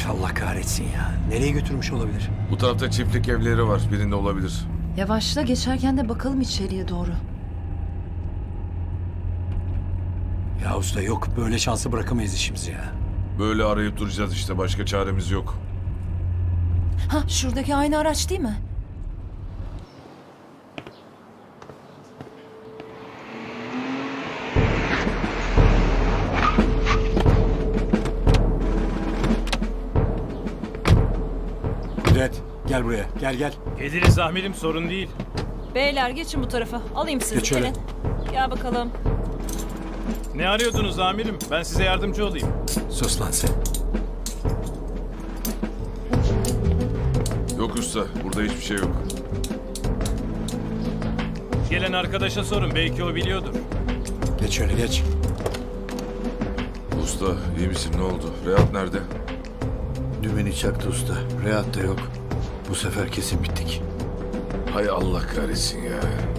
Allah kahretsin ya. Nereye götürmüş olabilir? Bu tarafta çiftlik evleri var. Birinde olabilir. Yavaşla, geçerken de bakalım içeriye doğru. Ya usta yok. Böyle şansı bırakamayız işimizi ya. Böyle arayıp duracağız işte. Başka çaremiz yok. Ha, şuradaki aynı araç değil mi? Kudret gel buraya. Gel gel. Geliriz amirim, sorun değil. Beyler geçin bu tarafa. Alayım sizi. Geç öyle. Gelin. Gel bakalım. Ne arıyordunuz amirim? Ben size yardımcı olayım. Sus lan sen. Yok usta. Burada hiçbir şey yok. Gelen arkadaşa sorun, belki o biliyordur. Geç şöyle geç. Usta iyi misin? Ne oldu? Rehat nerede? Dümeni çaktı usta. Rehat da yok. Bu sefer kesin bittik. Hay Allah kahretsin ya.